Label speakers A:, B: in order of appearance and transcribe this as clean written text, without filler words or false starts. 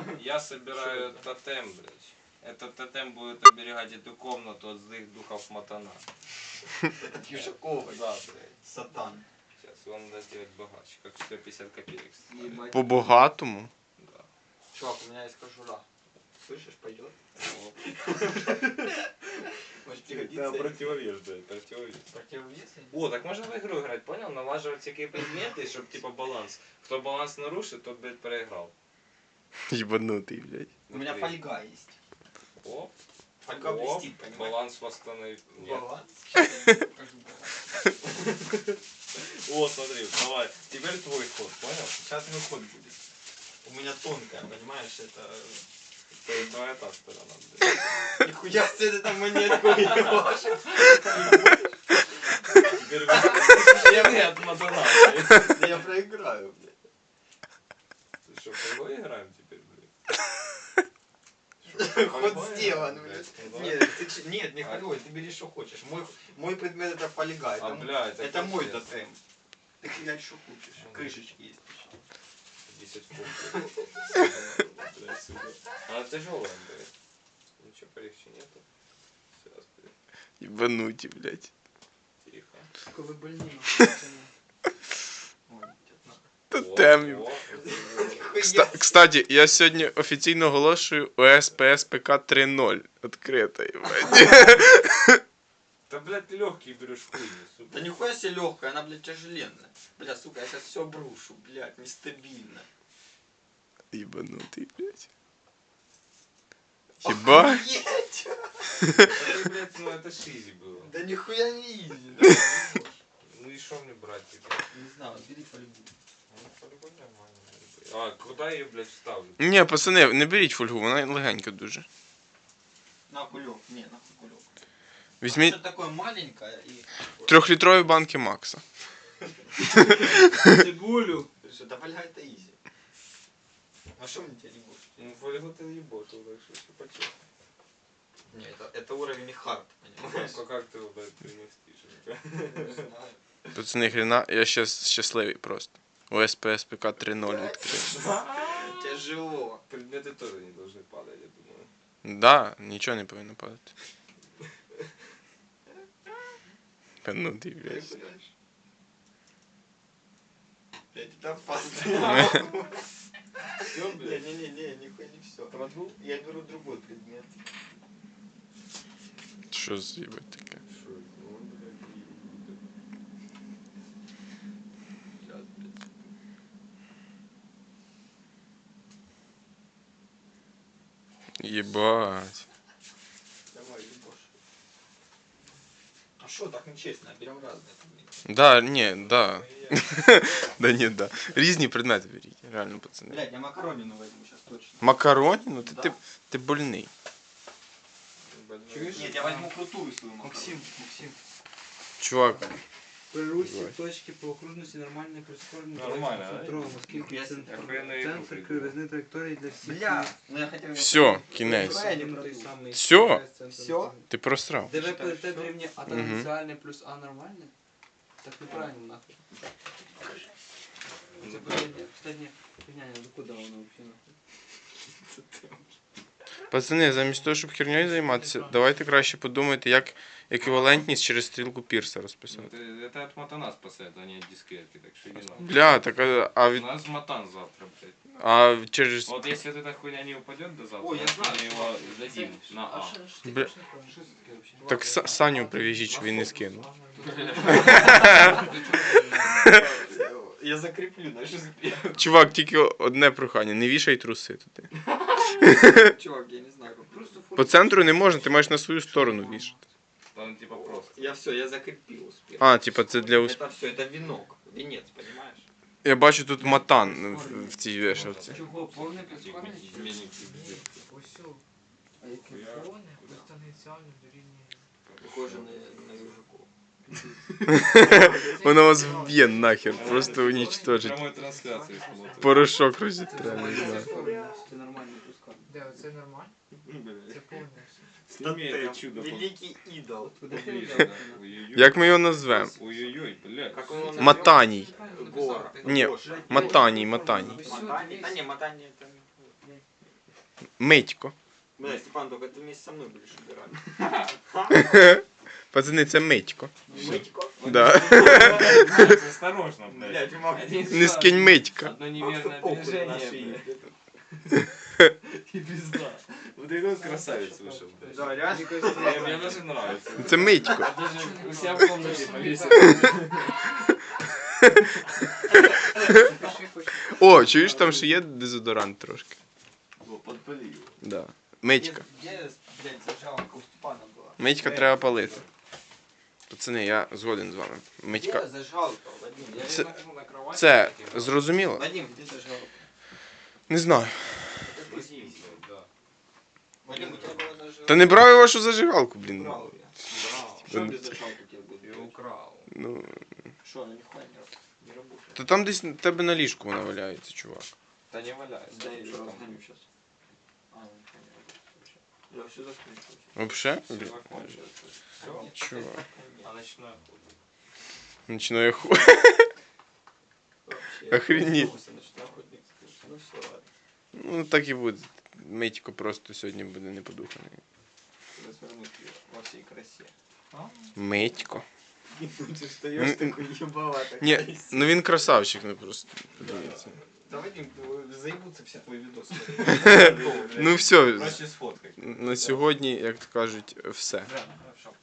A: Я собираю тотем, блядь. Этот тотем будет оберегать эту комнату от злых духов Матана.
B: Юшакова.
A: Да, блядь.
B: Сатан.
A: Сейчас он даст делать богаче, как 150 копеек.
B: Ебать.
C: По-богатому?
A: Да.
B: Чувак, у меня есть кожура. Слышишь, пойдет? Может пригодится?
A: Это противовес, блядь, противовес.
B: Противовес?
A: О, так можно в игру играть, понял? Налаживать всякие предметы, чтобы типа баланс. Кто баланс нарушит, тот, блядь, проиграл.
C: Ебанутый, блядь.
B: У меня фольга есть.
A: О,
B: Фольга
A: о,
B: блестит, понимаешь?
A: баланс восстановить. Нет.
B: Баланс? Сейчас я тебе покажу баланс.
A: О, смотри, давай. Теперь твой ход, понял?
B: Сейчас мой ход будет. У меня тонкая, понимаешь, это...
A: Это твоя та сторона, блядь.
B: Нихуя себе ты там монетку ебашь.
A: Теперь вы от Матана, блядь.
B: Да я проиграю, блядь.
A: Ты что, в кого играем теперь, блядь?
B: Ход сделан, блядь.
A: Ну, да.
B: Нет, нет, не холёй, ты бери что хочешь. Мой предмет это фольга,
A: А, блядь,
B: это мой
A: пиздец.
B: тотем. Ты блядь что хочешь, крышечки есть.
A: 10 фунтов. Блядь, сука. Она тяжелая, блядь. Ничего полегче нету. Сейчас, блядь.
C: Ебанутый, блядь.
A: Тихо.
D: Сука, вы больные.
B: Ой, тетна.
C: Тотем.
A: О,
C: Кстати, я сьогодні офіційно оголошую ОС ПС ПК 3.0 відкрито, ебать.
A: да, блядь, ты легкий берешь в хуйню, сука.
B: Да нихуя себе легкая, она, блядь, тяжеленная. Бля, сука, я сейчас все обрушу, блядь, нестабильно.
C: Ебанутый, блядь. Ебать.
B: Охуеть!
A: Это, блядь, ну это шизи было.
B: Да нихуя не изи, да.
A: Ну и что мне брать тебе?
B: Не знаю, бери фольгу.
A: Ну, по-любому нормально. А, куда я ее, блядь, вставлю?
C: Ні, пацани, не беріть фольгу, вона легенька дуже.
B: На кулек, не, на кулек.
C: Візьміть
B: Что такое маленькое и...
C: 3-літрові банки Макса.
D: Цибулю.
B: Ты что, да фольга это изи. А что мне тебя не будешь?
A: Ну, фольгу ты ебошил, так что все почему.
B: Не, это уровень хард, понимаешь?
A: Как ты его, блядь, переместишь?
B: Не знаю.
C: Пацани, хрена, я щас щасливий просто. ОС ПС ПК 3.0 відкрив.
B: Тяжело.
A: Предметы тоже не должны падать, я думаю.
C: Да, нічого не повинно падати. Ебанутий, блядь.
B: Блядь, это опасно.
A: Все, блядь?
B: Не, нихуя не все.
A: Продул?
B: Я беру другой предмет.
C: Що за ебать таке?
A: Что это? Ну, блядь,
B: Сейчас, блядь.
C: Ебать.
B: Давай, ебошь. А что, так нечестно, берем разные предметы.
C: Да, ні, да. Да ні, да. Різні предмети беріть, реально, пацани.
B: Блядь, я макаронину возьму сейчас точно.
C: Макароні? Ну ти,
B: Да.
C: ти больний.
A: Чуешь?
B: Нет, я возьму крутую свою макарону.
D: Максим.
C: Чувак,
D: При русі
C: Давай.
D: точки по окружності нормально прискорені.
A: Нормально, да?
D: оскільки
B: Я
A: охуєнно
D: центр
A: їх
D: кривизни траєкторії для всіх.
B: Бля, ну я хотел...
C: все, кінець.
D: Той самий
C: Всьо?
D: центр.
B: Всьо?
C: Ти просрав.
D: ДВ ПТ дорівнює А
C: Мгм.
D: тангенціальне плюс А нормальне? Так неправильно нахуй. Це последня фігня, ну куди воно взагалі нахуй?
C: Пацани, замість того, щоб херньою займатися, давайте краще подумайте, як еквівалентність через стрілку Пірса розписати.
A: Это от Матана спасает, а не от дискретки, так что иди нахуй.
C: Бля, так а
A: У
C: від.
A: нас Матан завтра, блядь.
C: А через.
A: Вот если вот эта хуйня не упадет до завтра,
B: О, я знаю,
A: мы его дадим на А.
C: Бля. Так Саню прив'яжіть, щоб він не скинув.
B: Я закреплю, знаешь,
C: Чувак, тільки одне прохання, не вішай труси туди.
B: Чувак, я не знаю, как просто.
C: По центру не можна, ти маєш на свою сторону вішати.
A: Там типа просто.
B: Я все, я закрепил успех.
C: А, типа це для усп...
B: Это все, это венок, венец, понимаешь?
C: Я бачу тут матан в цій вешалці.
D: Чого, повне прискорення?
A: Изменник пиздец.
D: Ось о. А яке повне? Плюс тангенціальне дорівнює.
B: Похоже на южаков.
C: Воно вас вб'є нахер, просто уничтожить.
A: Прямой трансляции смотрим.
C: Порошок розітре, не знаю.
D: Це нормальне пускання. Де, це нормально? Це повне.
A: Сними это чудо.
B: Великий идол.
D: Куди ти
A: Поближе,
D: взяв?
A: да. Ой-ой-ой.
C: Як ми його назвемо?
A: Ой-ой-ой, блядь.
B: Как он его назвал?
C: Матаній.
B: Гора.
C: Ні,
B: Гоша.
C: Матаній, Матаній.
B: Матани? Да не, Матани это...
C: Митько.
B: Бля, Степан, только ты вместе со мной будешь убирать.
C: Пацани, це Митько.
B: Мытько?
C: Да.
A: Осторожно, блядь.
B: Блядь, мог
C: Не скинь Митька.
A: Одно неверное движение, блядь.
D: И пизда.
A: Вот это вот красавец вышел, блядь.
B: Да, реально.
A: Мне даже нравится.
C: Це Митько.
A: Даже у себя в комнате повесил.
C: О, чуєш, там ще є дезодорант трошки.
B: Подпали его.
C: Да. Митька.
B: Где, блядь, зажалка у Степана была?
C: Митька треба палити. Пацани, я згоден з вами. Митька.
B: Где зажалка, Вадим?
A: Я
C: Це-
A: лежу на кровати.
C: Це
A: таким,
C: зрозуміло?
B: Вадим, где зажалка?
C: Не знаю.
A: вот, здесь вот, да.
B: Вадим, у тебя была зажалка?
C: Та не брав я вашу зажигалку, блін.
B: Украл я.
A: Брал.
B: Что без зажалки у тебя будет?
A: Я украл.
C: Ну,
B: Что, она нихуя не работает?
C: то там десь на тебе на ліжку вона валяється, чувак.
A: Да не валяйся.
B: Да, я
A: Что
B: ее
A: там?
B: разгоню сейчас. А, ну, нихуя не работает вообще. Я все закончил.
C: Вообще?
A: Всё
C: Блін.
A: закончилось. Всё.
C: Чувак.
A: А ночной охота.
C: Ночної ху.
B: Вообще.
C: Охренеть.
B: Ночной охотник. Ну все, ладно.
C: Ну так і буде. Митько просто сьогодні буде не подуханий.
B: Развернуть ее во всей красе.
C: Митько.
B: Ты встаешь такой ебалатый.
C: Ні, ну він красавчик, ну просто. Подивіться.
B: Да, Вадим, заебутся все твои видосы.
C: Ну все,
A: Проще сфоткать.
C: на сьогодні, як то кажуть, все.
B: Да, хорошо.